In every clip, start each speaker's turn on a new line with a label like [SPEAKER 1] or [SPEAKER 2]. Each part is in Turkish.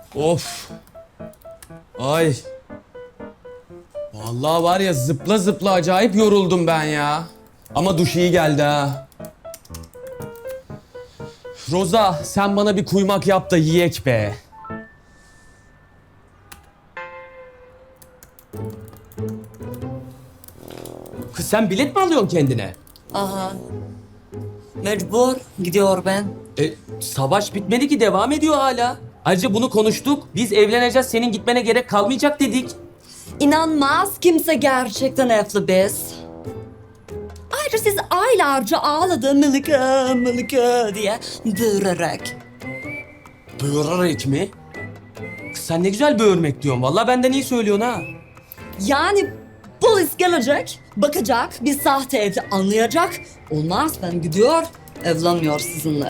[SPEAKER 1] Of. Ay. Vallahi var ya zıpla zıpla acayip yoruldum ben ya. Ama duş iyi geldi ha. Roza sen bana bir kuymak yap da yiyek be. Kız sen bilet mi alıyorsun kendine?
[SPEAKER 2] Aha. Mecbur gidiyor ben.
[SPEAKER 1] Savaş bitmedi ki devam ediyor hala. Ayrıca bunu konuştuk. Biz evleneceğiz senin gitmene gerek kalmayacak dedik.
[SPEAKER 2] İnanmaz kimse gerçekten evli biz. Ayrıca siz aylarca ağladı Melike, Melike diye bağırarak.
[SPEAKER 1] Böğürerek mi? Kız sen ne güzel böğürmek diyorsun. Vallahi benden iyi söylüyorsun ha.
[SPEAKER 2] Yani polis gelecek, bakacak, bir sahte evli anlayacak. Olmaz ben gidiyor, evlenmiyor sizinle.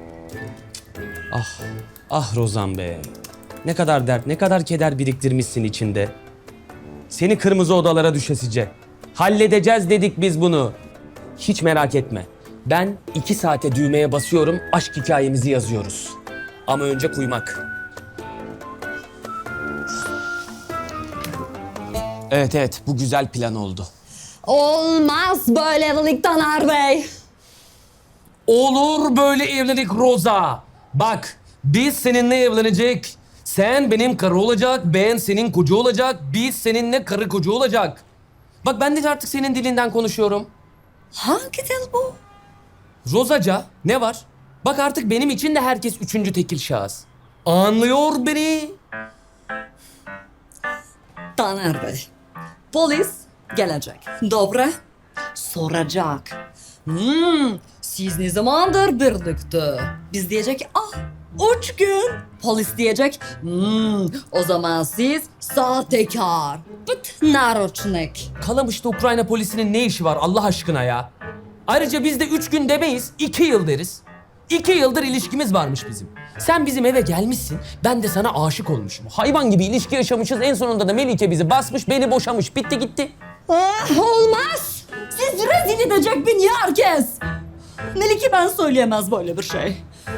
[SPEAKER 1] Ah Rozan be. Ne kadar dert, ne kadar keder biriktirmişsin içinde. Seni kırmızı odalara düşesice. Halledeceğiz dedik biz bunu. Hiç merak etme. Ben 2 saate düğmeye basıyorum, aşk hikayemizi yazıyoruz. Ama önce kuymak. Evet, bu güzel plan oldu.
[SPEAKER 2] Olmaz böyle evlilik Taner Bey.
[SPEAKER 1] Olur böyle evlilik Roza. Bak, biz seninle evlenecek. Sen benim karı olacak, ben senin koca olacak. Biz seninle karı koca olacak. Bak ben de artık senin dilinden konuşuyorum.
[SPEAKER 2] Hangi dil bu?
[SPEAKER 1] Rozaca ne var? Bak artık benim için de herkes üçüncü tekil şahıs. Anlıyor beni.
[SPEAKER 2] Taner Bey, polis gelecek. Dobra, soracak. Siz ne zamandır birlikte? Biz diyecek, 3 gün. Polis diyecek, o zaman siz sahtekar. Bıt naroçnik.
[SPEAKER 1] Kalamış'ta Ukrayna polisinin ne işi var Allah aşkına ya? Ayrıca biz de 3 gün demeyiz, 2 yıl deriz. 2 yıldır ilişkimiz varmış bizim. Sen bizim eve gelmişsin, ben de sana aşık olmuşum. Hayvan gibi ilişki yaşamışız, en sonunda da Melike bizi basmış, beni boşamış. Bitti gitti.
[SPEAKER 2] Olmaz. Siz rezil edecek beni herkes. Melike ben söyleyemez böyle bir şey.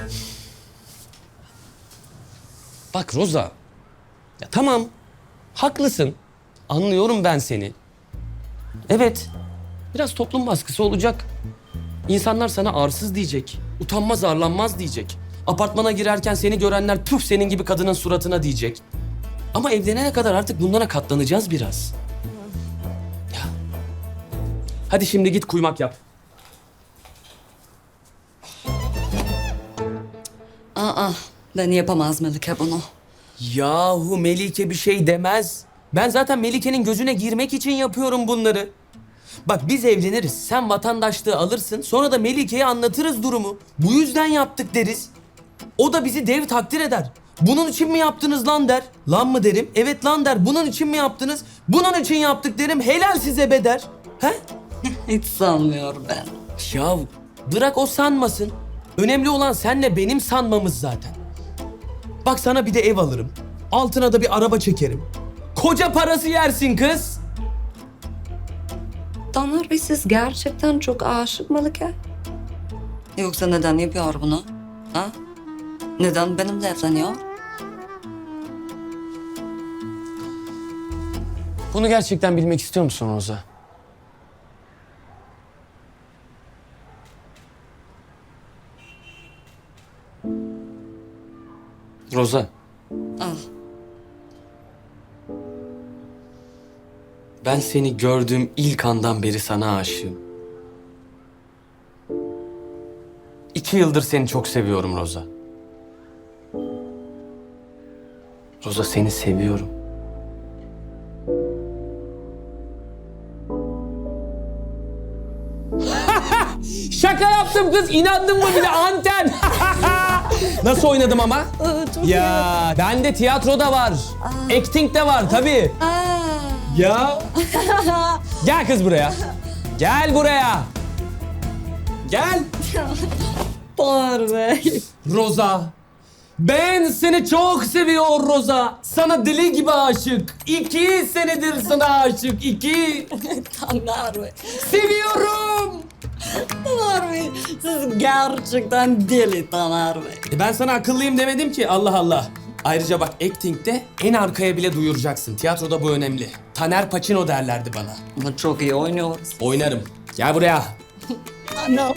[SPEAKER 1] Bak Roza, ya tamam, haklısın. Anlıyorum ben seni. Evet, biraz toplum baskısı olacak. İnsanlar sana arsız diyecek, utanmaz arlanmaz diyecek. Apartmana girerken seni görenler püf senin gibi kadının suratına diyecek. Ama evlenene kadar artık bunlara katlanacağız biraz. Ya. Hadi şimdi git kuymak yap.
[SPEAKER 2] Ben yapamaz Melike bunu.
[SPEAKER 1] Yahu Melike bir şey demez. Ben zaten Melike'nin gözüne girmek için yapıyorum bunları. Bak biz evleniriz. Sen vatandaşlığı alırsın. Sonra da Melike'ye anlatırız durumu. Bu yüzden yaptık deriz. O da bizi dev takdir eder. Bunun için mi yaptınız lan der. Lan mı derim? Evet lan der. Bunun için mi yaptınız? Bunun için yaptık derim. Helal size be der. He?
[SPEAKER 2] Hiç sanmıyorum ben.
[SPEAKER 1] Ya bırak o sanmasın. Önemli olan senle benim sanmamız zaten. Bak sana bir de ev alırım. Altına da bir araba çekerim. Koca parası yersin kız.
[SPEAKER 2] Taner Bey siz gerçekten çok aşık Melike. Yoksa neden yapıyor bunu? Ha? Neden benimle evleniyor?
[SPEAKER 1] Bunu gerçekten bilmek istiyor musun Roza? Roza.
[SPEAKER 2] Al.
[SPEAKER 1] Ben seni gördüğüm ilk andan beri sana aşığım. 2 yıldır seni çok seviyorum Roza. Roza seni seviyorum. Şaka yaptım kız. İnandın mı bile anten? Nasıl oynadım ama?
[SPEAKER 2] Çok
[SPEAKER 1] Ya bende tiyatro da var. Acting de var tabii. Ya. Gel kız buraya. Gel buraya. Gel.
[SPEAKER 2] Taner Bey.
[SPEAKER 1] Roza. Ben seni çok seviyorum Roza. Sana deli gibi aşık. 2 senedir sana aşık. 2.
[SPEAKER 2] Taner Bey.
[SPEAKER 1] Seviyorum.
[SPEAKER 2] Taner Bey. Siz gerçekten deli Taner Bey.
[SPEAKER 1] Ben sana akıllıyım demedim ki. Allah Allah. Ayrıca bak acting'de en arkaya bile duyuracaksın. Tiyatroda bu önemli. Taner Pacino derlerdi bana.
[SPEAKER 2] Ama çok iyi oynuyoruz.
[SPEAKER 1] Oynarım. Gel buraya.
[SPEAKER 3] Anam.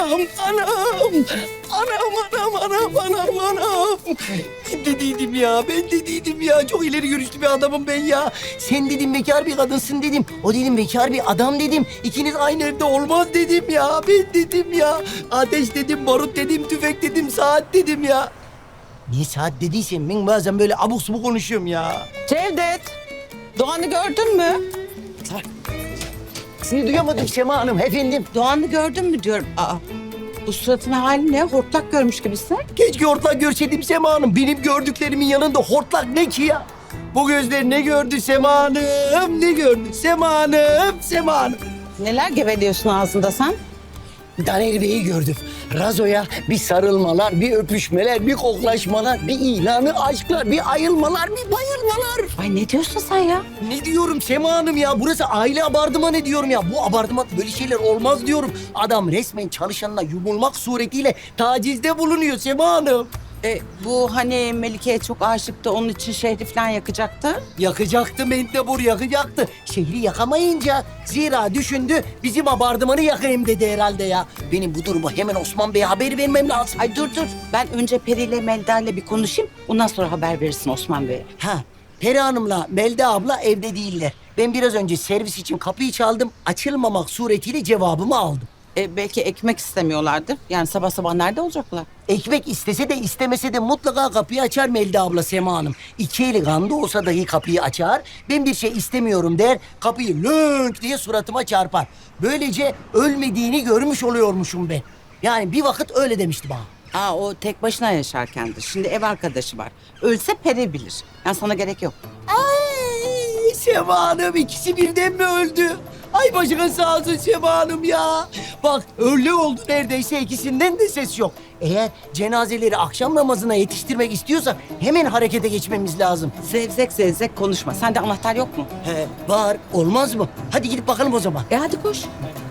[SPEAKER 3] Ben dediydim ya. Çok ileri görüşlü bir adamım ben ya. Sen dedim bekar bir kadınsın dedim. O dedim bekar bir adam dedim. İkiniz aynı evde olmaz dedim ya. Ben dedim ya. Ateş dedim, barut dedim, tüfek dedim, saat dedim ya. Niye saat dediysen ben bazen böyle abuk subuk konuşuyorum ya.
[SPEAKER 4] Cevdet, Doğan'ı gördün mü?
[SPEAKER 3] Sizi duyamadım Sema Hanım efendim.
[SPEAKER 4] Doğan'ı gördün mü diyorum. Aa, bu suratın hali ne? Hortlak görmüş gibisin.
[SPEAKER 3] Keşke hortlak görseydim Sema Hanım. Benim gördüklerimin yanında hortlak ne ki ya? Bu gözler ne gördü Sema Hanım? Ne gördü Sema Hanım? Sema Hanım.
[SPEAKER 4] Neler geveliyorsun ağzında sen?
[SPEAKER 3] Daner Bey'i gördüm. Razo'ya bir sarılmalar, bir öpüşmeler, bir koklaşmalar, bir ilanı aşklar, bir ayılmalar, bir bayılmalar.
[SPEAKER 4] Ay ne diyorsun sen ya?
[SPEAKER 3] Ne diyorum Sema Hanım ya? Burası aile abartımanı diyorum ya. Bu abartıman böyle şeyler olmaz diyorum. Adam resmen çalışanına yumulmak suretiyle tacizde bulunuyor Sema Hanım.
[SPEAKER 4] Bu hani Melike'ye çok aşıktı, onun için şehri falan yakacaktı.
[SPEAKER 3] Yakacaktı Mendebur, yakacaktı. Şehri yakamayınca zira düşündü bizim abartımanı yakayım dedi herhalde ya. Benim bu durumu hemen Osman Bey'e haber vermem lazım.
[SPEAKER 4] Ay dur. Ben önce Peri ile Melda ile bir konuşayım. Ondan sonra haber verirsin Osman Bey'e.
[SPEAKER 3] Ha, Peri Hanım'la Melda abla evde değiller. Ben biraz önce servis için kapıyı çaldım. Açılmamak suretiyle cevabımı aldım.
[SPEAKER 4] Belki ekmek istemiyorlardır. Yani sabah sabah nerede olacaklar?
[SPEAKER 3] Ekmek istese de istemese de mutlaka kapıyı açar Melda abla Sema Hanım. İki eli kanda olsa dahi kapıyı açar. Ben bir şey istemiyorum der. Kapıyı lönk diye suratıma çarpar. Böylece ölmediğini görmüş oluyormuşum ben. Yani bir vakit öyle demişti bana.
[SPEAKER 4] O tek başına yaşarkendir. Şimdi ev arkadaşı var. Ölse Peri bilir. Yani sana gerek yok.
[SPEAKER 3] Ay Sema Hanım ikisi birden mi öldü? Ay başına sağ olsun Sema Hanım ya. Bak öyle oldu neredeyse ikisinden de ses yok. Eğer cenazeleri akşam namazına yetiştirmek istiyorsak hemen harekete geçmemiz lazım.
[SPEAKER 4] Zevzek konuşma. Sende anahtar yok mu?
[SPEAKER 3] He var olmaz mı? Hadi gidip bakalım o zaman.
[SPEAKER 4] Hadi koş.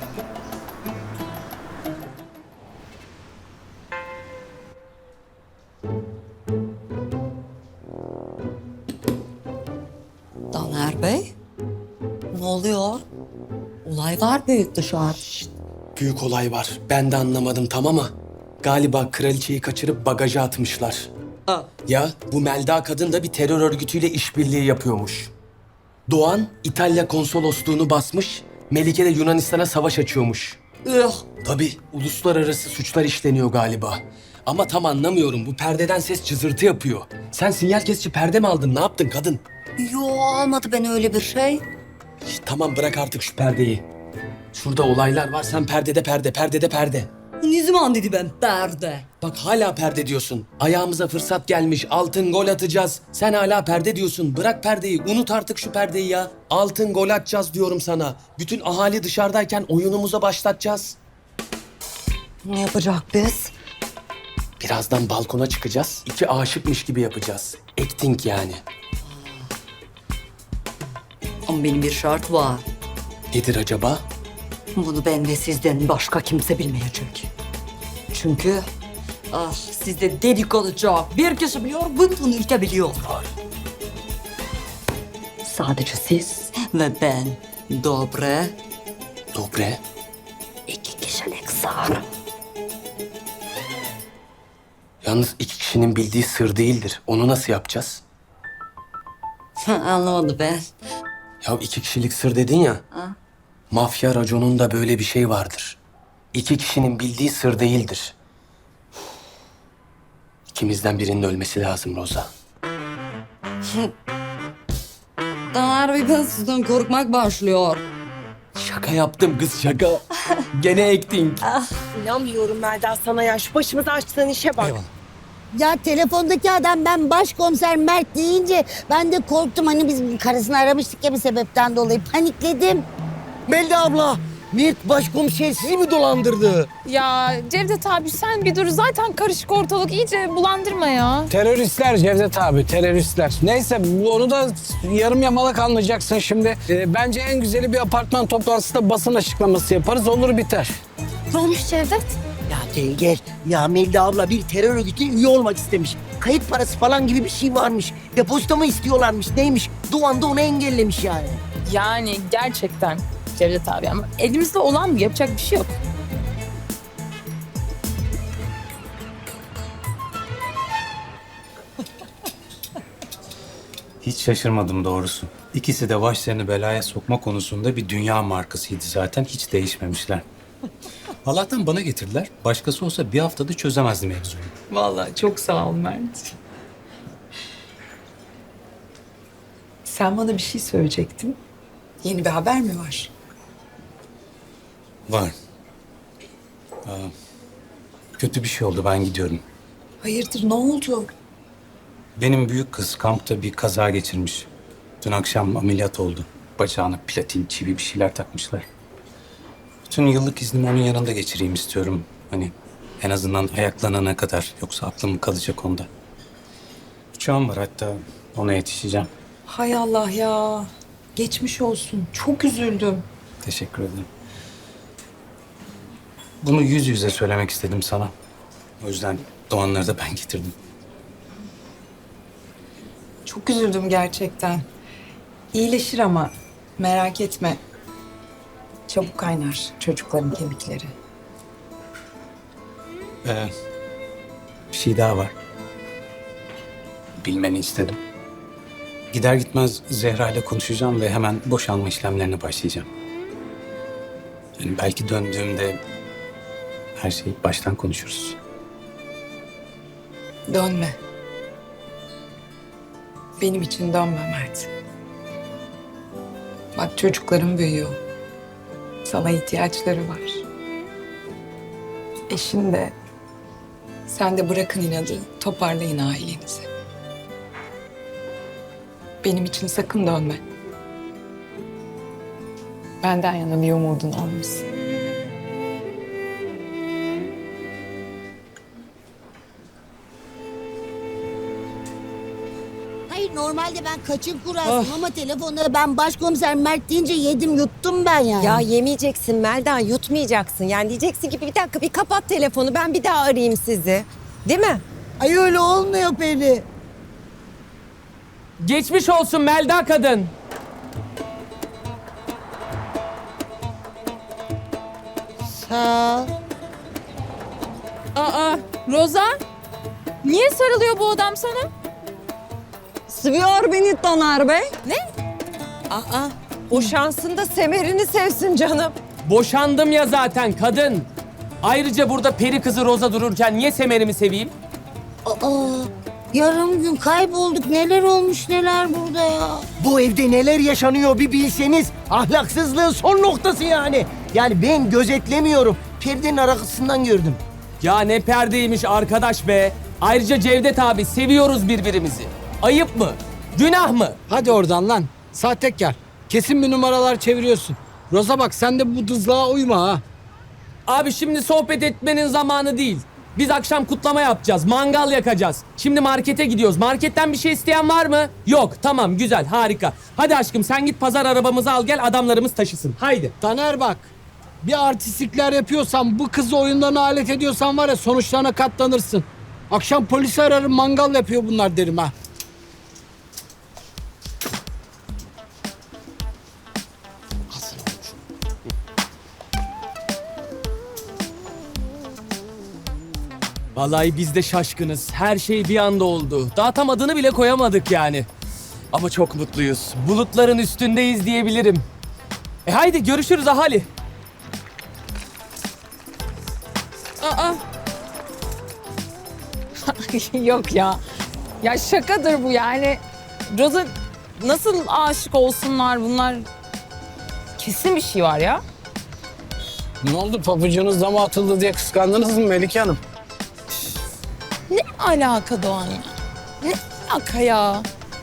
[SPEAKER 2] Taner Bey, ne oluyor? Olay var büyük dışarı.
[SPEAKER 1] Büyük olay var. Ben de anlamadım tam ama galiba kraliçeyi kaçırıp bagaja atmışlar.
[SPEAKER 2] Aa.
[SPEAKER 1] Ya bu Melda kadın da bir terör örgütüyle işbirliği yapıyormuş. Doğan İtalya konsolosluğunu basmış, Melike de Yunanistan'a savaş açıyormuş. Tabii uluslararası suçlar işleniyor galiba. Ama tam anlamıyorum. Bu perdeden ses cızırtı yapıyor. Sen sinyal kesici perde mi aldın? Ne yaptın kadın?
[SPEAKER 2] Yo almadı ben öyle bir şey.
[SPEAKER 1] Tamam bırak artık şu perdeyi. Şurada olaylar var. Sen perdede perde.
[SPEAKER 2] Ne zaman dedi ben perde?
[SPEAKER 1] Bak hala perde diyorsun. Ayağımıza fırsat gelmiş. Altın gol atacağız. Sen hala perde diyorsun. Bırak perdeyi. Unut artık şu perdeyi ya. Altın gol atacağız diyorum sana. Bütün ahali dışarıdayken oyunumuza başlatacağız.
[SPEAKER 2] Ne yapacak biz?
[SPEAKER 1] Birazdan balkona çıkacağız. İki aşıkmış gibi yapacağız. Acting yani.
[SPEAKER 2] Ama benim bir şart var.
[SPEAKER 1] Nedir acaba?
[SPEAKER 2] Bunu ben ve sizden başka kimse bilmeyecek. Çünkü sizde dedikoducu bir kişi biliyor, bütün ülke biliyor. Sadece siz ve ben. Dobre.
[SPEAKER 1] Dobre.
[SPEAKER 2] 2 kişilik sar.
[SPEAKER 1] Yalnız iki kişinin bildiği sır değildir. Onu nasıl yapacağız?
[SPEAKER 2] Anlamadım ben.
[SPEAKER 1] Ya iki kişilik sır dedin ya. Mafya raconunda böyle bir şey vardır. İki kişinin bildiği sır değildir. İkimizden birinin ölmesi lazım Roza.
[SPEAKER 2] Taner Bey ben sizden korkmak başlıyor.
[SPEAKER 1] Şaka yaptım kız şaka. Gene acting.
[SPEAKER 5] İnanmıyorum Melda sana ya. Şu başımıza açtığın işe bak.
[SPEAKER 6] Ya telefondaki adam ben başkomiser Mert deyince ben de korktum. Hani biz karısını aramıştık ya bir sebepten dolayı panikledim.
[SPEAKER 3] Melda abla, Mert başkomiser sizi mi dolandırdı?
[SPEAKER 7] Ya Cevdet abi sen bir dur. Zaten karışık ortalık. İyice bulandırma ya.
[SPEAKER 8] Teröristler Cevdet abi, teröristler. Neyse onu da yarım yamalak anlayacaksın şimdi. Bence en güzeli bir apartman toplantısında basın açıklaması yaparız, olur biter.
[SPEAKER 7] Ne olmuş Cevdet?
[SPEAKER 3] Ya gel gel. Ya Melda abla bir terör örgütüne üye olmak istemiş. Kayıt parası falan gibi bir şey varmış. Depozito mu istiyorlarmış neymiş? Doğan da onu engellemiş yani.
[SPEAKER 7] Yani gerçekten Cevdet abi ama elimizde olan bu, yapacak bir şey yok.
[SPEAKER 9] Hiç şaşırmadım doğrusu. İkisi de başlarını belaya sokma konusunda bir dünya markasıydı zaten. Hiç değişmemişler. Allah'tan bana getirdiler. Başkası olsa bir haftada çözemezdi mevzuyu.
[SPEAKER 10] Vallahi çok sağ ol Mert. Sen bana bir şey söyleyecektin. Yeni bir haber mi var?
[SPEAKER 9] Var. Kötü bir şey oldu. Ben gidiyorum.
[SPEAKER 10] Hayırdır, ne oldu?
[SPEAKER 9] Benim büyük kız kampta bir kaza geçirmiş. Dün akşam ameliyat oldu. Bacağına platin, çivi bir şeyler takmışlar. Bütün yıllık iznimi onun yanında geçireyim istiyorum. Hani en azından ayaklanana kadar. Yoksa aklım kalacak onda. Uçağım var hatta ona yetişeceğim.
[SPEAKER 10] Hay Allah ya. Geçmiş olsun. Çok üzüldüm.
[SPEAKER 9] Teşekkür ederim. Bunu yüz yüze söylemek istedim sana. O yüzden Doğanları da ben getirdim.
[SPEAKER 10] Çok üzüldüm gerçekten. İyileşir ama merak etme. Çabuk kaynar çocukların kemikleri.
[SPEAKER 9] Bir şey daha var. Bilmeni istedim. Gider gitmez Zehra ile konuşacağım ve hemen boşanma işlemlerine başlayacağım. Yani belki döndüğümde her şeyi baştan konuşuruz.
[SPEAKER 10] Dönme. Benim için dönme Mert. Bak çocuklarım büyüyor. Sana ihtiyaçları var. Eşin de. Sen de bırakın inadı, toparlayın ailenizi. Benim için sakın dönme. Benden yana bir umudun olmasın.
[SPEAKER 6] Hayır normalde ben kaçın kurasım ama telefonda ben başkomiser Mert deyince yedim yuttum ben yani.
[SPEAKER 5] Ya yemeyeceksin Melda, yutmayacaksın. Yani diyeceksin ki bir dakika bir kapat telefonu, ben bir daha arayayım sizi. Değil mi?
[SPEAKER 6] Ay öyle olmuyor Peri.
[SPEAKER 1] Geçmiş olsun Melda kadın.
[SPEAKER 6] Sağ ol.
[SPEAKER 7] Aa, Roza? Niye sarılıyor bu adam sana?
[SPEAKER 5] Seviyor beni Taner Bey. Ne? Aa, o şansında semerini sevsin canım.
[SPEAKER 1] Boşandım ya zaten kadın. Ayrıca burada peri kızı Roza dururken niye Semer'imi seveyim?
[SPEAKER 6] Aa, yarım gün kaybolduk. Neler olmuş neler burada ya.
[SPEAKER 3] Bu evde neler yaşanıyor bir bilseniz. Ahlaksızlığın son noktası yani. Yani ben gözetlemiyorum. Perdenin arkasından gördüm.
[SPEAKER 1] Ya ne perdeymiş arkadaş be. Ayrıca Cevdet abi seviyoruz birbirimizi. Ayıp mı? Günah mı?
[SPEAKER 8] Hadi oradan lan. Sahtekar. Kesin bir numaralar çeviriyorsun. Roza bak sen de bu dızlığa uyma ha.
[SPEAKER 1] Abi şimdi sohbet etmenin zamanı değil. Biz akşam kutlama yapacağız. Mangal yakacağız. Şimdi markete gidiyoruz. Marketten bir şey isteyen var mı? Yok. Tamam güzel harika. Hadi aşkım sen git pazar arabamızı al gel adamlarımız taşısın. Haydi.
[SPEAKER 8] Taner bak. Bir artistlikler yapıyorsan, bu kızı oyundan alet ediyorsan var ya sonuçlarına katlanırsın. Akşam polisi ararım, mangal yapıyor bunlar derim ha.
[SPEAKER 1] Vallahi biz de şaşkınız. Her şey bir anda oldu. Daha tam adını bile koyamadık yani. Ama çok mutluyuz. Bulutların üstündeyiz diyebilirim. Haydi görüşürüz ahali.
[SPEAKER 7] Aa. Yok ya. Ya şakadır bu yani. Roza nasıl aşık olsunlar bunlar? Kesin bir şey var ya.
[SPEAKER 8] Ne oldu, pabucunuz dama atıldı diye kıskandınız mı Melike Hanım?
[SPEAKER 7] Ne alaka Doğan ya? Ne alaka ya?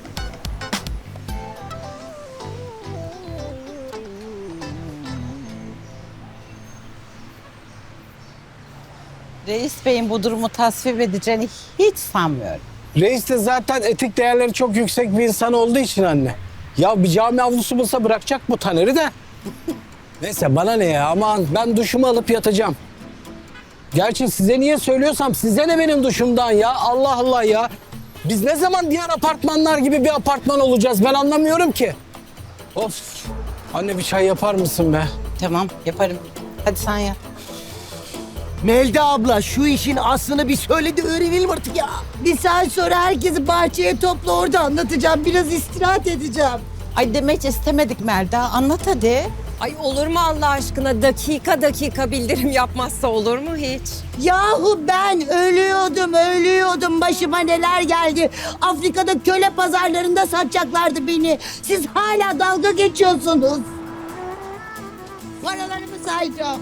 [SPEAKER 4] Reis Bey'in bu durumu tasvip edeceğini hiç sanmıyorum.
[SPEAKER 8] Reis de zaten etik değerleri çok yüksek bir insan olduğu için anne. Ya bir cami avlusu bulsa bırakacak bu Taner'i de. Neyse bana ne ya, aman ben duşumu alıp yatacağım. Gerçi size niye söylüyorsam size ne benim duşumdan ya. Allah Allah ya. Biz ne zaman diğer apartmanlar gibi bir apartman olacağız ben anlamıyorum ki. Of. Anne bir çay yapar mısın be?
[SPEAKER 4] Tamam yaparım. Hadi sen yap.
[SPEAKER 3] Melda abla şu işin aslını bir söyle de öğrenelim artık ya.
[SPEAKER 6] Bir saat sonra herkesi bahçeye topla orada anlatacağım. Biraz istirahat edeceğim.
[SPEAKER 4] Ay demek istemedik Melda. Anlat hadi.
[SPEAKER 5] Ay olur mu Allah aşkına dakika dakika bildirim yapmazsa olur mu hiç?
[SPEAKER 6] Yahu ben ölüyordum. Başıma neler geldi. Afrika'da köle pazarlarında satacaklardı beni. Siz hala dalga geçiyorsunuz. Paralarımı sayacağım.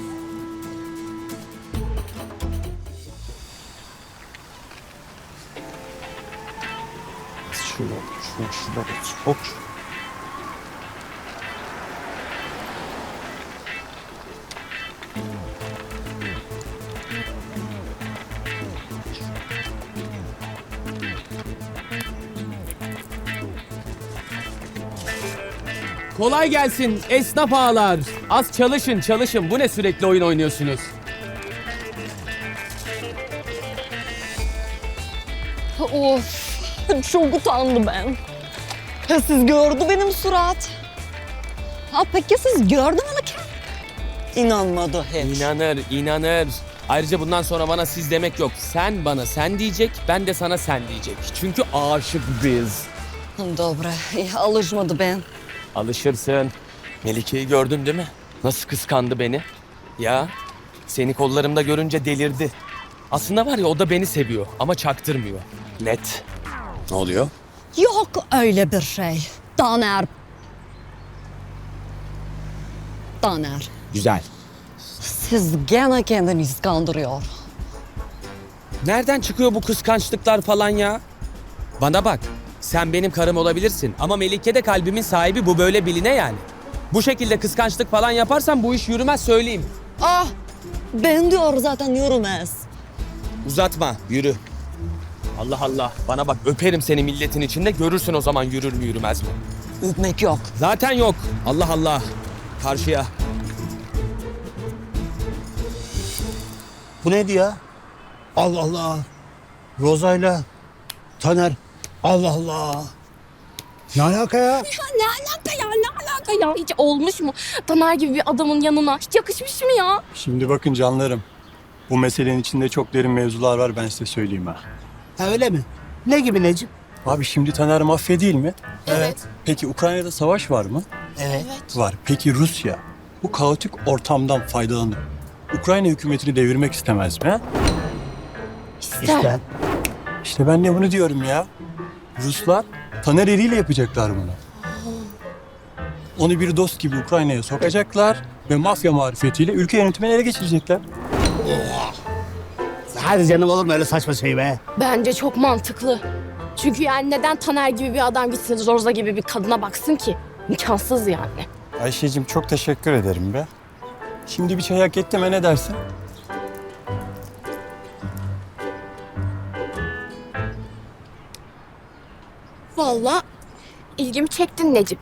[SPEAKER 1] Kolay gelsin esnaf ağalar. Az çalışın. Bu ne sürekli oyun oynuyorsunuz?
[SPEAKER 2] Of, çok utandım ben. Ya siz gördü benim surat. Ha peki siz gördü mü ki?
[SPEAKER 4] İnanmadı hiç.
[SPEAKER 1] İnanır. Ayrıca bundan sonra bana siz demek yok. Sen bana sen diyecek, ben de sana sen diyecek. Çünkü aşık biz.
[SPEAKER 2] Dobra, alışmadı ben.
[SPEAKER 1] Alışırsın. Melike'yi gördün değil mi? Nasıl kıskandı beni? Ya seni kollarımda görünce delirdi. Aslında var ya o da beni seviyor ama çaktırmıyor. Net. Ne oluyor?
[SPEAKER 2] Yok öyle bir şey. Daner.
[SPEAKER 1] Güzel.
[SPEAKER 2] Siz gene kendinizi kandırıyor.
[SPEAKER 1] Nereden çıkıyor bu kıskançlıklar falan ya? Bana bak. Sen benim karım olabilirsin ama Melike de kalbimin sahibi, bu böyle biline yani. Bu şekilde kıskançlık falan yaparsan bu iş yürümez söyleyeyim.
[SPEAKER 2] Ah, ben diyor zaten yürümez.
[SPEAKER 1] Uzatma, yürü. Allah Allah. Bana bak, öperim seni milletin içinde, görürsün o zaman yürür mü yürümez mi?
[SPEAKER 2] Öpmek yok.
[SPEAKER 1] Zaten yok. Allah Allah. Karşıya.
[SPEAKER 11] Bu neydi ya? Allah Allah. Roza'yla Taner. Allah Allah. Ne alaka ya?
[SPEAKER 12] Ne alaka ya? Hiç olmuş mu? Taner gibi bir adamın yanına hiç yakışmış mı ya?
[SPEAKER 13] Şimdi bakın canlarım. Bu meselenin içinde çok derin mevzular var, ben size söyleyeyim ha.
[SPEAKER 11] Ha öyle mi? Ne gibi Necip?
[SPEAKER 13] Abi şimdi Taner mafya değil mi?
[SPEAKER 12] Evet.
[SPEAKER 13] Peki Ukrayna'da savaş var mı?
[SPEAKER 11] Evet.
[SPEAKER 13] Var. Peki Rusya bu kaotik ortamdan faydalanıp Ukrayna hükümetini devirmek istemez mi? Ha?
[SPEAKER 11] İşte.
[SPEAKER 13] İşte ben de bunu diyorum ya. Ruslar Taner eliyle yapacaklar bunu. Onu bir dost gibi Ukrayna'ya sokacaklar ve mafya marifetiyle ülke yönetimini ele geçirecekler.
[SPEAKER 11] Hadi canım, olur mu öyle saçma şey be?
[SPEAKER 12] Bence çok mantıklı. Çünkü yani neden Taner gibi bir adam gitsin Roza gibi bir kadına baksın ki? İmkansız yani.
[SPEAKER 13] Ayşe'cim çok teşekkür ederim be. Şimdi bir çay hak etti mi, ne dersin?
[SPEAKER 12] Vallahi ilgimi çektin Necip.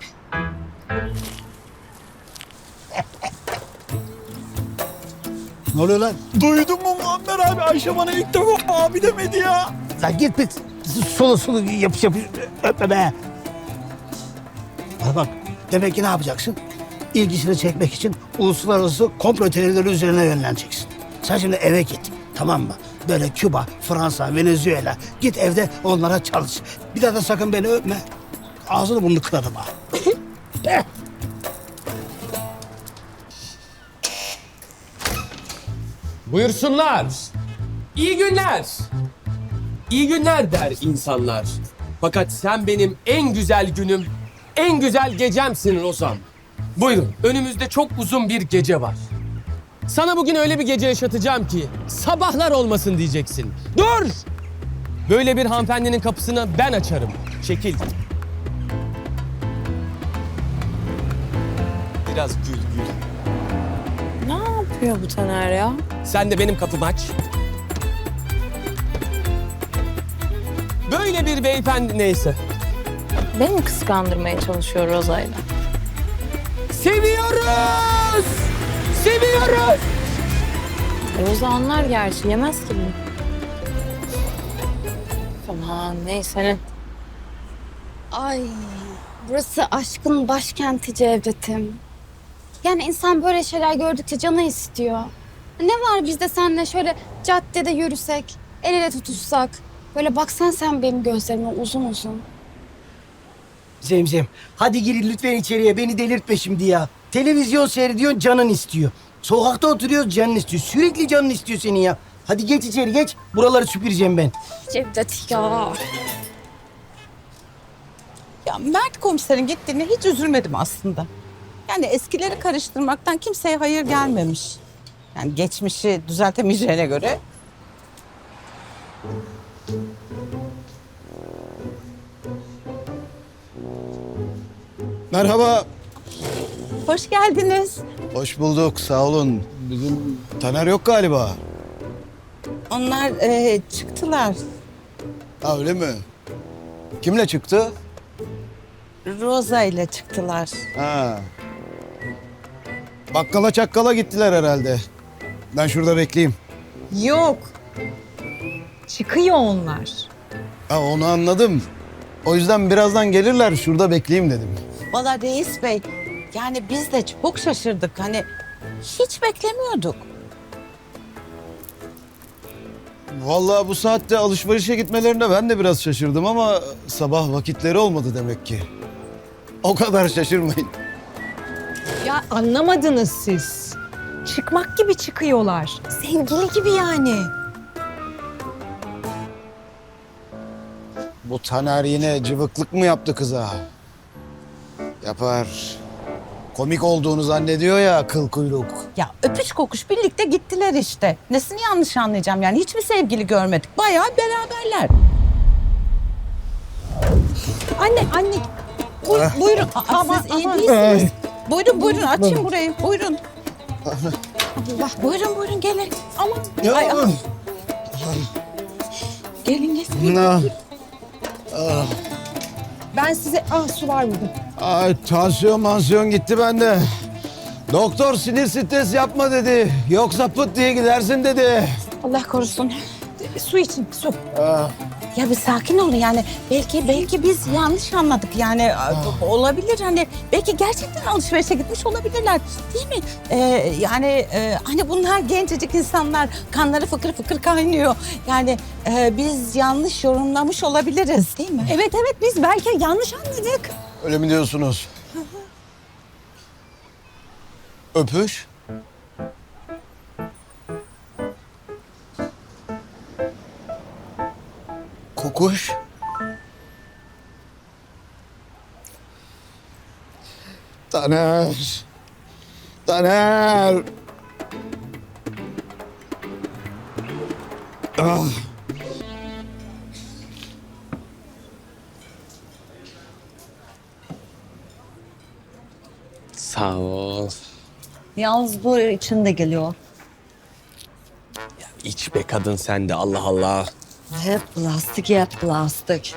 [SPEAKER 11] Ne oluyor lan?
[SPEAKER 13] Duydun mu Muammer abi? Ayşe bana ilk defa abi demedi ya.
[SPEAKER 11] Lan git bir sulu yapış öpme be. Bana bak, demek ki ne yapacaksın? İlgisini çekmek için uluslararası komplo teorileri üzerine yönleneceksin. Sen şimdi eve git, tamam mı? Böyle Küba, Fransa, Venezuela. Git evde onlara çalış. Bir daha da sakın beni öpme. Ağzını burnunu kırarım ha.
[SPEAKER 1] Buyursunlar. İyi günler. İyi günler der insanlar. Fakat sen benim en güzel günüm, en güzel gecemsin Rozan. Buyurun, önümüzde çok uzun bir gece var. Sana bugün öyle bir gece yaşatacağım ki sabahlar olmasın diyeceksin. Dur! Böyle bir hanımefendinin kapısını ben açarım. Çekil. Biraz gül gül.
[SPEAKER 7] Ne yapıyor bu Taner ya?
[SPEAKER 1] Sen de benim kapımı aç. Böyle bir beyefendi neyse.
[SPEAKER 7] Beni mi kıskandırmaya çalışıyor Roza'yla?
[SPEAKER 1] Seviyoruz! Seviyoruz!
[SPEAKER 7] Roza anlar gerçi. Yemez ki bunu. Aman neyse ne.
[SPEAKER 12] Ay, burası aşkın başkenti Cevdet'im. Yani insan böyle şeyler gördükçe canı istiyor. Ne var biz de seninle şöyle caddede yürüsek, el ele tutuşsak. Böyle baksan sen benim gözlerime uzun uzun.
[SPEAKER 3] Zemzem, hadi girin lütfen içeriye. Beni delirtme şimdi ya. Televizyon seyrediyorsun, canın istiyor. Sokakta oturuyoruz, canın istiyor. Sürekli canın istiyor senin ya. Hadi geç içeri geç. Buraları süpüreceğim ben.
[SPEAKER 12] Cevdet ya.
[SPEAKER 4] Ya Mert komiserin gittiğine hiç üzülmedim aslında. Yani eskileri karıştırmaktan kimseye hayır gelmemiş. Yani geçmişi düzeltemeyeceğine göre.
[SPEAKER 14] Merhaba.
[SPEAKER 4] Hoş geldiniz.
[SPEAKER 14] Hoş bulduk. Sağ olun. Bizim Taner yok galiba.
[SPEAKER 4] Onlar çıktılar.
[SPEAKER 14] Ha öyle mi? Kimle çıktı?
[SPEAKER 4] Roza ile çıktılar.
[SPEAKER 14] Ha. Bakkala çakkala gittiler herhalde. Ben şurada bekleyeyim.
[SPEAKER 5] Yok. Çıkıyor onlar.
[SPEAKER 14] Ha onu anladım. O yüzden birazdan gelirler. Şurada bekleyeyim dedim.
[SPEAKER 4] Vallahi reis bey, yani biz de çok şaşırdık. Hani hiç beklemiyorduk.
[SPEAKER 14] Vallahi bu saatte alışverişe gitmelerine ben de biraz şaşırdım ama sabah vakitleri olmadı demek ki. O kadar şaşırmayın.
[SPEAKER 5] Ya anlamadınız siz. Çıkmak gibi çıkıyorlar. Sevgili gibi yani.
[SPEAKER 14] Bu Taner yine cıvıklık mı yaptı kıza? Yapar. Komik olduğunu zannediyor ya kıl kuyruk.
[SPEAKER 4] Ya öpüş kokuş birlikte gittiler işte. Nesini yanlış anlayacağım yani hiçbir sevgili görmedik. Bayağı beraberler. Anne. Buyurun. Siz iyi değilsiniz. Buyurun açın burayı. Buyurun. Allah. Buyurun gelin. Aman.
[SPEAKER 14] Ya.
[SPEAKER 4] Ay. Gelin.
[SPEAKER 5] Ben size... su var burada.
[SPEAKER 14] Ay tansiyon gitti bende. Doktor sinir stres yapma dedi. Yoksa pıt diye gidersin dedi.
[SPEAKER 4] Allah korusun.
[SPEAKER 5] Su için, su.
[SPEAKER 4] Ya bir sakin olun yani. Belki biz yanlış anladık yani. Olabilir hani. Belki gerçekten alışverişe gitmiş olabilirler. Değil mi? Hani bunlar gencecik insanlar. Kanları fıkır fıkır kaynıyor. Yani biz yanlış yorumlamış olabiliriz değil mi?
[SPEAKER 5] Evet biz belki yanlış anladık.
[SPEAKER 14] Öyle mi diyorsunuz? Öpüş. Kokuş. Taner. Ah.
[SPEAKER 1] Sağ ol.
[SPEAKER 2] Yalnız bu içinde geliyor.
[SPEAKER 1] İç be kadın sen de Allah Allah.
[SPEAKER 2] Hep plastik.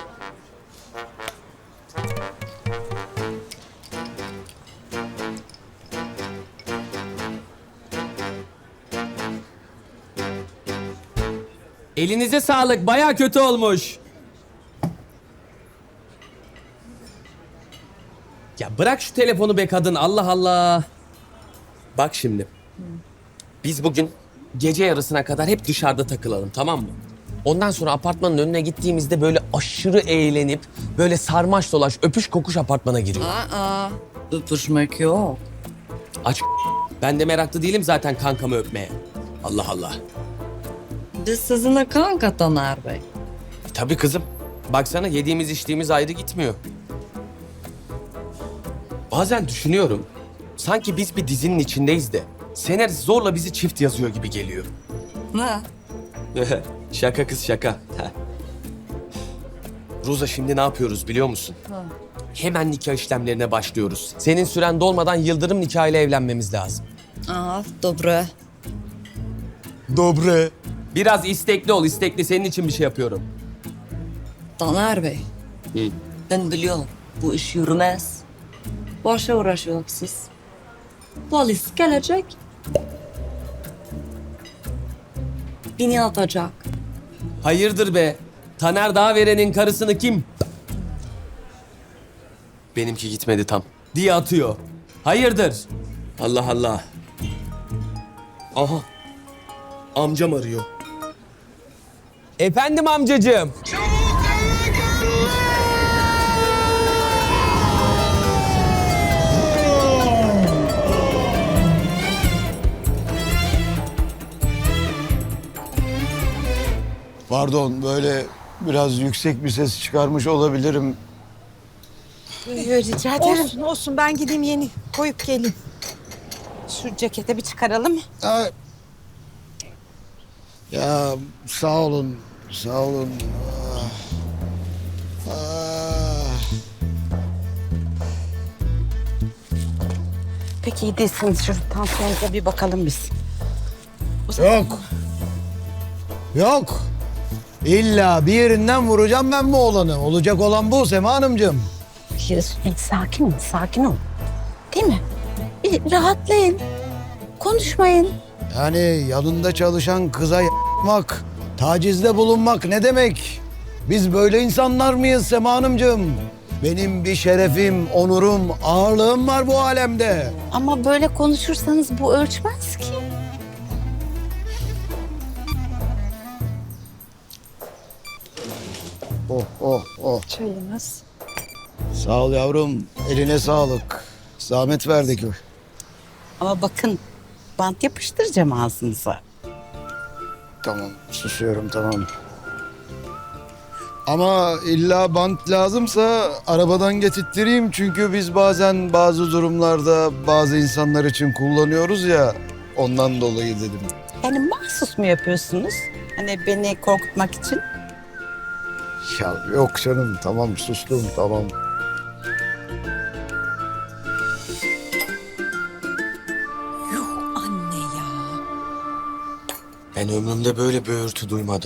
[SPEAKER 1] Elinize sağlık. Baya kötü olmuş. Ya bırak şu telefonu be kadın. Allah Allah. Bak şimdi. Biz bugün gece yarısına kadar hep dışarıda takılalım, tamam mı? Ondan sonra apartmanın önüne gittiğimizde böyle aşırı eğlenip böyle sarmaş dolaş öpüş kokuş apartmana giriyor.
[SPEAKER 2] Öpüşmek yok.
[SPEAKER 1] Aç. Ben de meraklı değilim zaten kankamı öpmeye. Allah Allah.
[SPEAKER 2] Biz sizinle kanka Taner Bey.
[SPEAKER 1] Tabii kızım. Baksana yediğimiz içtiğimiz ayrı gitmiyor. Bazen düşünüyorum. Sanki biz bir dizinin içindeyiz de senarist zorla bizi çift yazıyor gibi geliyor.
[SPEAKER 2] Ne?
[SPEAKER 1] Şaka kız şaka. Roza şimdi ne yapıyoruz biliyor musun? Hemen nikah işlemlerine başlıyoruz. Senin süren dolmadan Yıldırım nikahıyla evlenmemiz lazım.
[SPEAKER 2] Dobre.
[SPEAKER 14] Dobre.
[SPEAKER 1] Biraz istekli ol, istekli. Senin için bir şey yapıyorum.
[SPEAKER 2] Taner Bey. Ben biliyorum bu iş yürümez. Boşa uğraşıyorsunuz siz. Polis gelecek. beni atacak.
[SPEAKER 1] Hayırdır be? Taner Dağveren'in karısını kim? Benimki gitmedi tam diye atıyor. Hayırdır? Allah Allah. Aha. Amcam arıyor. Efendim amcacığım.
[SPEAKER 14] Pardon, böyle biraz yüksek bir ses çıkarmış olabilirim.
[SPEAKER 4] Rica ederim. Olsun olsun ben gideyim yeni koyup geleyim. Şu cekete bir çıkaralım.
[SPEAKER 14] Ya sağ olun, sağ olun.
[SPEAKER 4] Peki iyi değilsiniz. Şu tansiyonunuza bir bakalım biz.
[SPEAKER 14] Yok. Yok. İlla bir yerinden vuracağım ben bu oğlanı. Olacak olan bu Sema Hanımcığım.
[SPEAKER 4] Sakin ol, sakin ol. Değil mi? Bir rahatlayın. Konuşmayın.
[SPEAKER 14] Yani yanında çalışan kıza yapmak, tacizde bulunmak ne demek? Biz böyle insanlar mıyız Sema Hanımcığım? Benim bir şerefim, onurum, ağırlığım var bu alemde.
[SPEAKER 4] Ama böyle konuşursanız bu ölçmez ki.
[SPEAKER 14] Oh.
[SPEAKER 4] Çayınız.
[SPEAKER 14] Sağ ol yavrum. Eline sağlık. Zahmet verdik.
[SPEAKER 4] Ama bakın bant yapıştıracağım ağzınıza.
[SPEAKER 14] Tamam, susuyorum tamam. Ama illa bant lazımsa arabadan getirttireyim. Çünkü biz bazen bazı durumlarda bazı insanlar için kullanıyoruz ya. Ondan dolayı dedim.
[SPEAKER 4] Yani mahsus mu yapıyorsunuz? Hani beni korkutmak için?
[SPEAKER 14] Ya yok canım tamam sustum tamam.
[SPEAKER 4] Anne ya.
[SPEAKER 1] Ben ömrümde böyle bir örtü duymadım.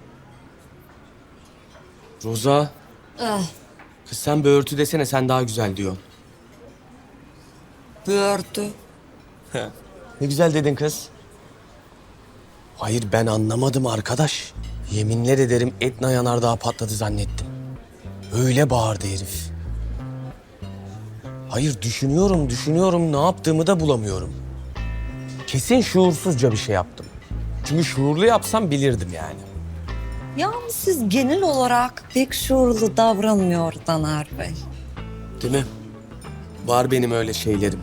[SPEAKER 1] Roza. Kız sen böğürtü desene, sen daha güzel diyorsun.
[SPEAKER 2] Böğürtü.
[SPEAKER 1] Ne güzel dedin kız. Hayır ben anlamadım arkadaş. Yeminler ederim Etna yanardağ patladı zannettim. Öyle bağırdı herif. Hayır düşünüyorum ne yaptığımı da bulamıyorum. Kesin şuursuzca bir şey yaptım. Çünkü şuurlu yapsam bilirdim yani.
[SPEAKER 2] Yalnız siz genel olarak pek şuurlu davranmıyor Taner Bey.
[SPEAKER 1] Değil mi? Var benim öyle şeylerim.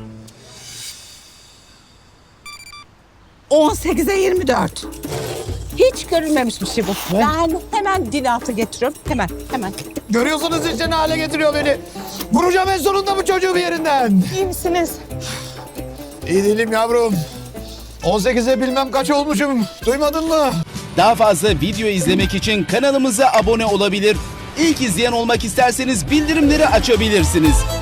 [SPEAKER 4] 18'e 24. Hiç görülmemiş bir şey bu. Ben hemen dil altı getiriyorum. Hemen.
[SPEAKER 14] Görüyorsunuz işte ne hale getiriyor beni. Vuracağım en sonunda bu çocuğu bir yerinden.
[SPEAKER 4] İyi misiniz?
[SPEAKER 14] İyi değilim yavrum. 18'e bilmem kaç olmuşum. Duymadın mı?
[SPEAKER 15] Daha fazla video izlemek için kanalımıza abone olabilir. İlk izleyen olmak isterseniz bildirimleri açabilirsiniz.